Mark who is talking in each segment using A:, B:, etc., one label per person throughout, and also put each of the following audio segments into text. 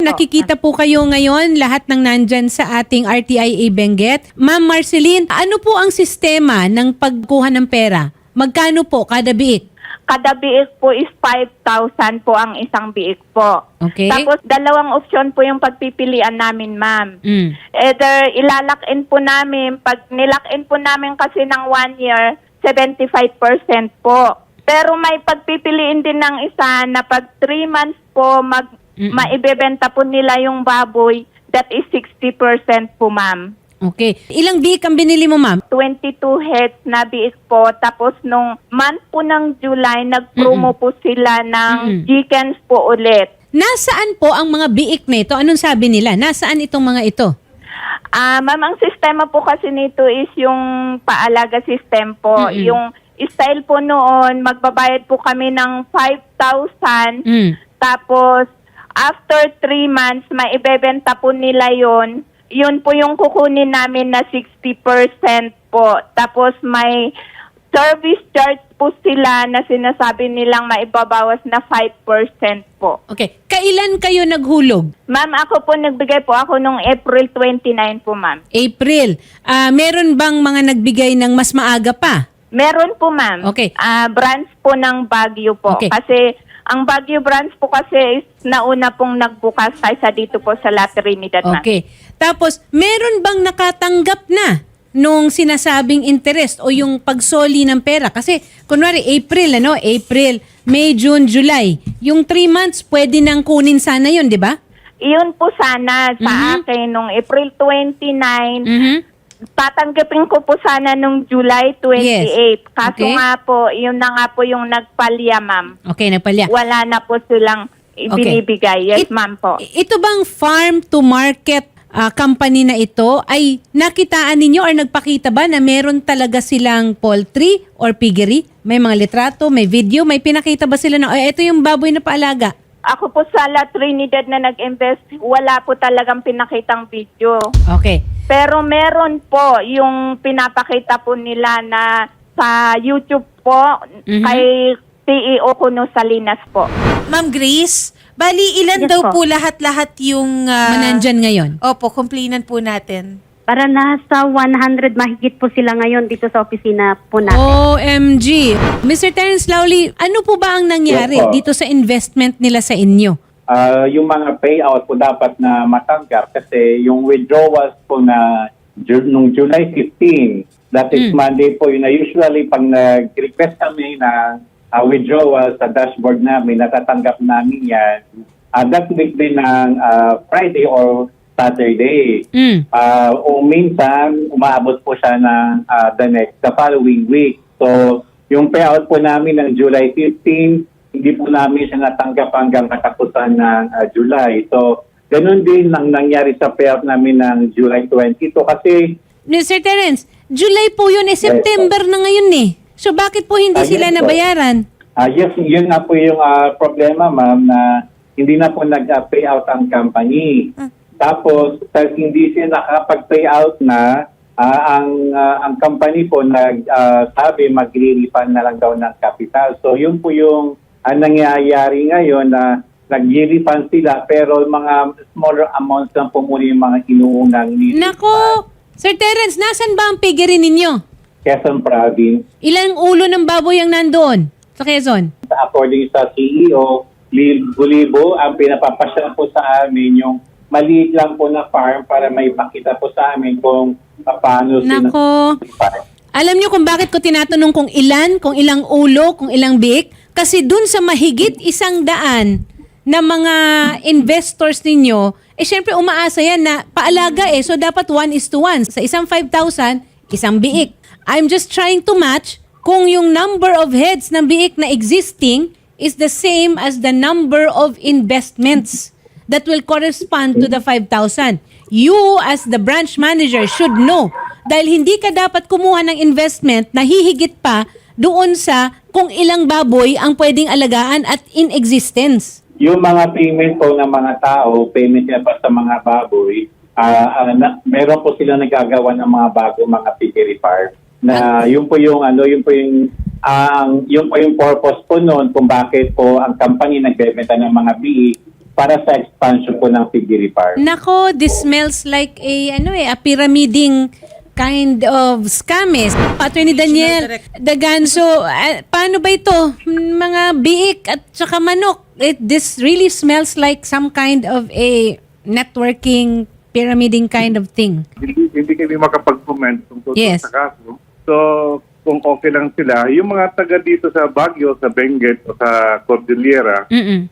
A: nakikita po kayo ngayon, lahat ng nandyan sa ating RTIA Benguet. Ma'am Marceline, ano po ang sistema ng pagkuha ng pera? Magkano po kada biik?
B: Kada biik po is 5,000 po ang isang biik po.
A: Okay.
B: Tapos dalawang opsyon po yung pagpipilian namin, ma'am. Either ilalak-in po namin, pag nilak-in po namin kasi ng 1 year, 75% po. Pero may pagpipiliin din ng isa na pag 3 months po maibebenta po nila yung baboy, that is 60% po, ma'am.
A: Okay. Ilang biik ang binili mo, ma'am?
B: 22 heads na biik po. Tapos nung month po ng July, nag-promo po sila ng chickens po ulit.
A: Nasaan po ang mga biik nito? Anong sabi nila? Nasaan itong mga ito?
B: Ma'am, ang sistema po kasi nito is yung paalaga system po. Yung style po noon, magbabayad po kami ng 5,000. Tapos, after 3 months, maibebenta po nila yon. Yun po yung kukunin namin na 60% po. Tapos may service charge po sila na sinasabi nilang maibabawas na 5% po.
A: Okay. Kailan kayo naghulog?
B: Ma'am, ako po nagbigay po ako nung April 29 po, ma'am.
A: April. Meron bang mga nagbigay ng mas maaga pa?
B: Meron po, ma'am.
A: Okay.
B: Branch po ng Baguio po.
A: Okay.
B: Kasi ang Baguio branch po kasi is nauna pong nagbukas kaysa dito po sa La Trinidad, ma'am.
A: Okay. Tapos, meron bang nakatanggap na nung sinasabing interest o yung pagsoli ng pera? Kasi, kunwari, April, April, May, June, July. Yung 3 months, pwede nang kunin sana yun, di ba?
B: Iyon po sana sa akin nung April 29. Tatanggapin ko po sana nung July 28.
A: Yes.
B: Kaso
A: Okay.
B: nga po, yun na nga po yung nagpalya, ma'am.
A: Okay, nagpalya.
B: Wala na po silang ibinibigay. Yes, ma'am po.
A: Ito bang farm to market company na ito ay nakitaan ninyo or nagpakita ba na meron talaga silang poultry or piggery? May mga litrato, may video, may pinakita ba sila na ito yung baboy na paalaga?
B: Ako po sa La Trinidad na nag-invest, wala po talagang pinakitang video.
A: Okay.
B: Pero meron po yung pinapakita po nila na sa YouTube po kay CEO Kuno Salinas po.
C: Ma'am Grace, bali ilan
B: Yes
C: daw
B: po.
C: po lahat-lahat yung...
A: Manandyan ngayon.
C: Opo, complainant po natin.
D: Para nasa 100 mahigit po sila ngayon dito sa opisina po natin.
A: OMG. Mr. Terence Lawley, ano po ba ang nangyari
E: Yes po.
A: dito sa investment nila sa inyo?
E: Yung mga payout po dapat na matanggap kasi yung withdrawals po na nung July 15, that is Monday po, yun na usually pag nag-request kami na withdrawal sa dashboard namin, natatanggap namin yan. That week din ng Friday or Saturday. O minsan, umaabot po siya ng the following week. So, yung payout po namin ng July 15, hindi po namin siya natanggap hanggang katapusan ng July. So, ganun din ang nangyari sa payout namin ng July 22 kasi...
A: Mr. Terence, July po yun, September na ngayon eh. So bakit po hindi sila
E: yes po.
A: nabayaran?
E: Yes, yun na po yung problema, ma'am, na hindi na po nag-payout ang company. Tapos, dahil hindi sila nakapag-payout na, ang company po sabi magre-refund na lang daw ng capital. So, yun po yung nangyayari ngayon na nag-refund sila pero mga smaller amounts lang po muna yung mga inuunang
A: Nako! Sir Terence, nasan ba ang piggery ninyo?
E: Quezon Province.
A: Ilang ulo ng baboy ang nandoon sa Quezon?
E: According sa CEO, libo-libo ang pinapapasya po sa amin yung maliit lang po na farm para may pakita po sa amin kung paano
A: Nako! Alam niyo kung bakit ko tinatanong kung ilang ulo, kung ilang biik? Kasi dun sa mahigit 100 na mga investors ninyo, syempre umaasa yan na paalaga so dapat 1:1. Sa isang 5,000, isang biik. I'm just trying to match kung yung number of heads ng biik na existing is the same as the number of investments that will correspond to the 5,000. You as the branch manager should know dahil hindi ka dapat kumuha ng investment na hihigit pa doon sa kung ilang baboy ang pwedeng alagaan at in existence.
E: Yung mga payment po ng mga tao, payment nila pa sa mga baboy, meron po sila nagagawa ng mga bago mga piggery farm. Na yun po yung yung purpose po noon kung bakit po ang company nagbebenta ng mga biik para sa expansion po ng Tigiri Park.
A: Nako, this smells like a pyramiding kind of scam eh. Attorney Daniel Daganzo, paano ba ito? Mga biik at saka manok. This really smells like some kind of a networking, pyramiding kind of thing.
F: Hindi kami makapag-comment tungkol
A: Yes.
F: sa kaso. So, kung okay lang sila, yung mga taga dito sa Baguio, sa Benguet o sa Cordillera,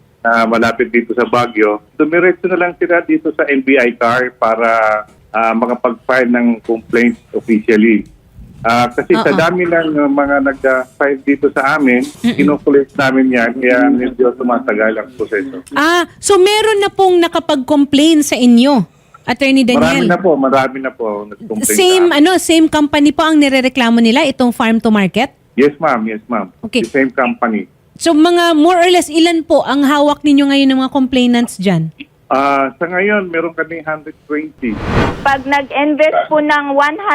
F: na malapit dito sa Baguio, dumiretso na lang sila dito sa NBI CAR para makapag-file ng complaint officially. Kasi sa dami ng mga nag-file dito sa amin, kinokulit namin yan, kaya medyo tumatagal ang proseso.
A: So meron na pong nakapag-complain sa inyo, Attorney Daniel?
F: Marami na po nag-complain sa amin.
A: Same company po ang nirereklamo nila, itong farm to market?
F: Yes, ma'am.
A: Okay.
F: The same company.
A: So mga more or less ilan po ang hawak ninyo ngayon ng mga complainants dyan?
F: Sa ngayon, meron kami 120.
B: Pag nag-invest po ng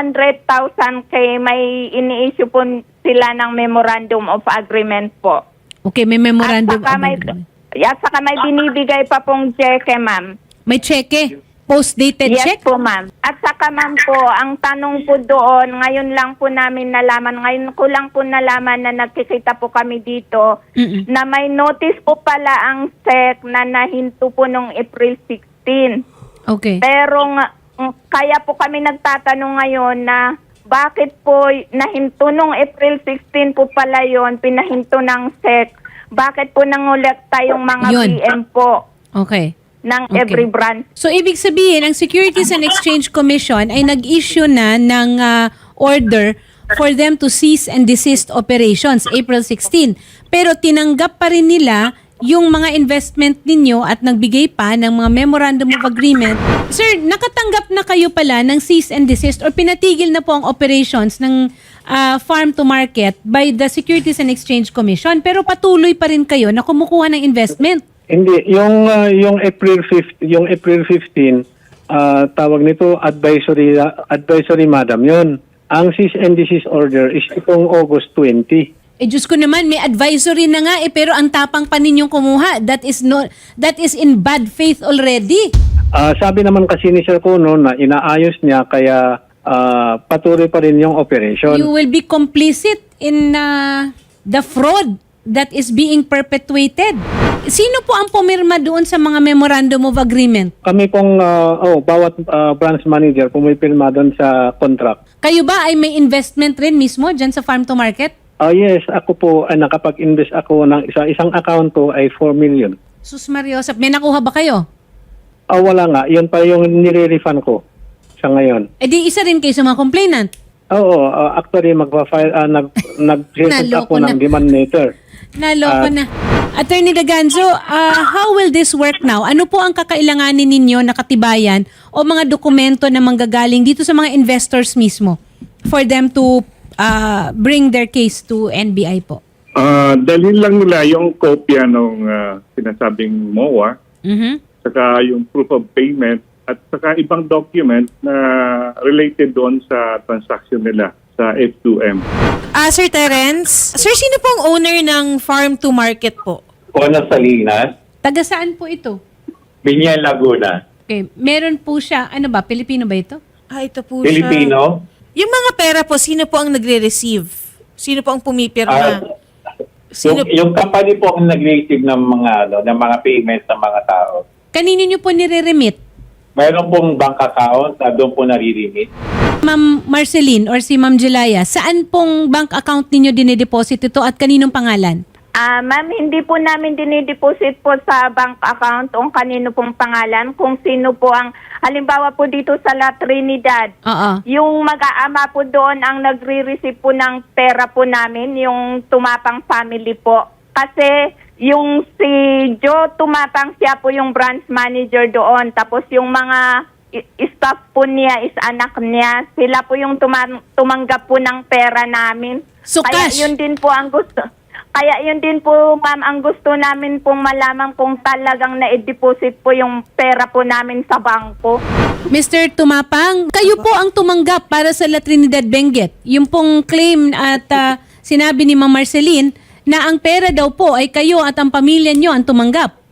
B: 100,000 kay may ini-issue po sila ng memorandum of agreement po.
A: Okay, may memorandum
B: At saka
A: of
B: may,
A: agreement.
B: at saka may binibigay pa pong cheque, ma'am.
A: May cheque? Post-dated
B: Yes
A: check?
B: po, ma'am. At saka, ma'am po, ang tanong po doon, ngayon lang po namin nalaman, ngayon ko lang po nalaman na nagkikita po kami dito, na may notice po pala ang SEC na nahinto po nung April 16.
A: Okay.
B: Pero kaya po kami nagtatanong ngayon na bakit po nahinto nung April 16 po pala yon, pinahinto ng SEC. Bakit po nangolekta yung mga
A: Yun.
B: PM po
A: Okay.
B: ng
A: Okay.
B: every branch?
A: So, ibig sabihin, ang Securities and Exchange Commission ay nag-issue na ng order for them to cease and desist operations, April 16. Pero tinanggap pa rin nila yung mga investment ninyo at nagbigay pa ng mga memorandum of agreement. Sir, nakatanggap na kayo pala ng cease and desist or pinatigil na po ang operations ng farm to market by the Securities and Exchange Commission, pero patuloy pa rin kayo na kumukuha ng investment.
G: Hindi, yung April 15, tawag nito advisory madam 'yon. Ang cease and desist order is itong August 20.
A: Diyos ko naman, may advisory na nga pero ang tapang pa ninyong kumuha. That is in bad faith already.
G: Sabi naman kasi ni Sir Kuno na inaayos niya kaya patuloy pa rin yung operation.
A: You will be complicit in the fraud that is being perpetuated. Sino po ang pumirma doon sa mga memorandum of agreement?
G: Kami pong bawat branch manager pumipirma doon sa contract.
A: Kayo ba ay may investment rin mismo dyan sa farm to market?
G: Yes, ako po nakapag-invest ako ng isang account ko ay 4 million.
A: Sus Mariosap, may nakuha ba kayo?
G: Wala nga, yun pa yung nire-refund ko sa ngayon.
A: Di isa rin kayo sa mga complainant.
G: Oo, actually magpa-file nag-set
A: Naloko
G: ako
A: na.
G: ng demand letter.
A: Naloko na. Attorney Daganzo, how will this work now? Ano po ang kakailanganin ninyo na katibayan o mga dokumento na manggagaling dito sa mga investors mismo for them to bring their case to NBI po?
F: Dalhin lang nila yung kopya ng sinasabing MOA, saka yung proof of payment, at saka ibang document na related doon sa transaction nila sa F2M.
C: Sir Terence, sir, sino pong owner ng farm to market po?
E: Ono Salinas,
A: Taga saan po ito?
E: Binyan, Laguna.
A: Okay, meron po siya, ano ba, Pilipino ba ito?
C: Ito po siya.
E: Filipino.
C: Yung mga pera po, sino po ang nagre-receive? Sino po ang pumipirma?
E: Yung company po ang nag-receive ng mga payments ng mga tao.
A: Kanino nyo po nire-remit?
E: Mayroon pong bank account na doon po nare-remit.
A: Ma'am Marceline or si Ma'am Jelaya, saan pong bank account ninyo dinedeposit ito at kaninong pangalan?
B: Ma'am, hindi po namin dinideposit po sa bank account kung kanino pong pangalan, kung sino po ang, halimbawa po dito sa La Trinidad,
A: Oo.
B: yung mag-aama po doon ang nagre-receive po ng pera po namin, yung Tumapang family po. Kasi yung si Joe Tumapang, siya po yung branch manager doon. Tapos yung mga staff po niya is anak niya. Sila po yung tumanggap po ng pera namin.
A: So
B: Kaya
A: cash?
B: yun din po ang gusto. Kaya yun din po, ma'am, ang gusto namin pong malaman kung talagang na-deposit po yung pera po namin sa bangko.
A: Mr. Tumapang, kayo po ang tumanggap para sa La Trinidad Benguet. Yung pong claim at sinabi ni Ma'am Marceline na ang pera daw po ay kayo at ang pamilya nyo ang tumanggap.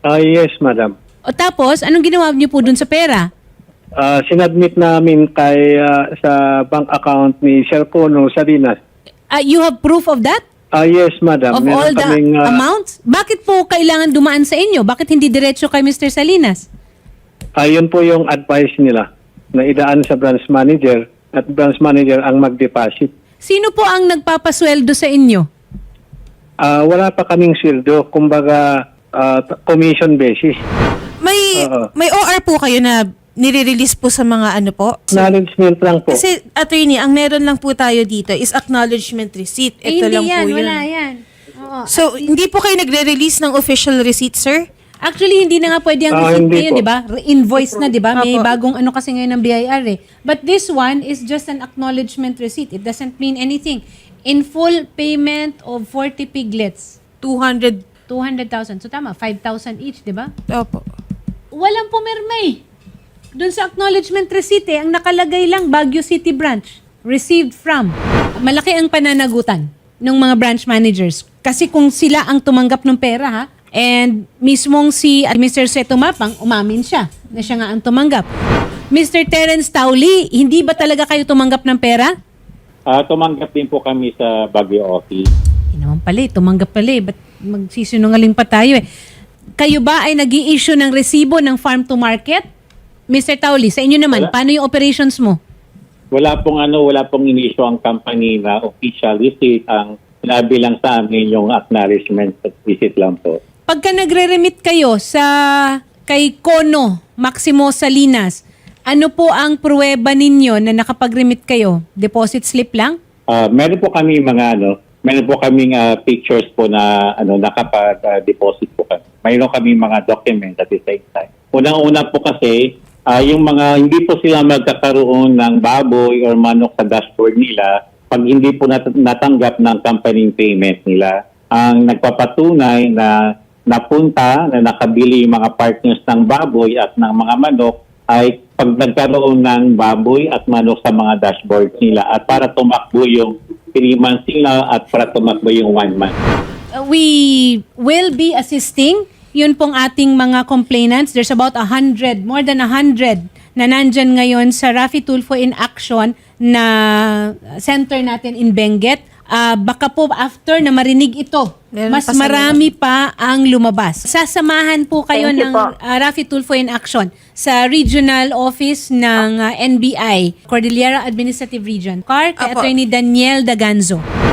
G: Yes, madam.
A: O tapos, anong ginawa niyo po dun sa pera?
G: Sinadmit namin kay sa bank account ni Sir Kono Salinas.
A: You have proof of that?
G: Yes, madam.
A: Of
G: Meron
A: all the
G: kaming,
A: amounts? Bakit po kailangan dumaan sa inyo? Bakit hindi diretso kay Mr. Salinas?
G: yun po yung advice nila na idaan sa branch manager at branch manager ang mag-deposit.
A: Sino po ang nagpapasweldo sa inyo?
G: Wala pa kaming sweldo, kumbaga commission basis.
C: May OR po kayo na nire-release po sa mga ano po?
G: Acknowledgement lang po.
C: Kasi, attorney, ang meron lang po tayo dito is acknowledgement receipt. Ito lang
A: hindi yan,
C: po yun.
A: wala yan. Oo.
C: So, hindi po kayo nagre-release ng official receipt, sir?
A: Actually, hindi na nga pwede ang receipt
G: hindi
A: ngayon,
G: po.
A: di ba? Invoice na, di ba? May
C: Apo.
A: bagong ano kasi ngayon ng BIR eh. But this one is just an acknowledgement receipt. It doesn't mean anything. In full payment of 40 piglets.
C: 200.
A: 200,000. So tama, 5,000 each, di ba?
C: Opo.
A: Walang pumirma eh. Doon sa acknowledgement receipt ang nakalagay lang Baguio City Branch. Received from. Malaki ang pananagutan ng mga branch managers. Kasi kung sila ang tumanggap ng pera ha, and mismong si Mr. Seto Mapang, umamin siya na siya nga ang tumanggap. Mr. Terence Tauli, hindi ba talaga kayo tumanggap ng pera?
E: Tumanggap din po kami sa Baguio office.
A: Hindi naman pala tumanggap pala Ba't magsisinungaling pa tayo eh? Kayo ba ay nag-i-issue ng resibo ng farm to market? Mr. Tauli, sa inyo naman, paano yung operations mo?
E: Wala pong in-issue ang company na official receipt. Ang sinabi lang sa amin yung acknowledgement receipt lang po.
A: Pagka nagre-remit kayo sa kay Kono Maximo Salinas, ano po ang pruweba ninyo na nakapag-remit kayo? Deposit slip lang?
E: Meron po kaming pictures po na nakapag-deposit po kami. Mayroon kaming mga documents at the same time. Unang-una po kasi, yung mga hindi po sila magkakaroon ng baboy or manok sa dashboard nila pag hindi po natanggap ng company payment nila. Ang nagpapatunay na napunta, na nakabili yung mga partners ng baboy at ng mga manok ay pag nagkaroon ng baboy at manok sa mga dashboard nila at para tumakbo yung 3 months nila at para tumakbo yung 1 month.
A: We will be assisting yun pong ating mga complainants. There's about 100, more than 100 na nandyan ngayon sa Raffy Tulfo in Action na center natin in Benguet. Baka po after na marinig ito,
C: Meron
A: mas
C: pa sa
A: marami pa ang lumabas. Sasamahan po kayo
B: Thank you
A: ng
B: po.
A: Raffy Tulfo in Action sa regional office ng NBI, Cordillera Administrative Region. Kay
C: Apo.
A: Attorney Daniel Daganzo.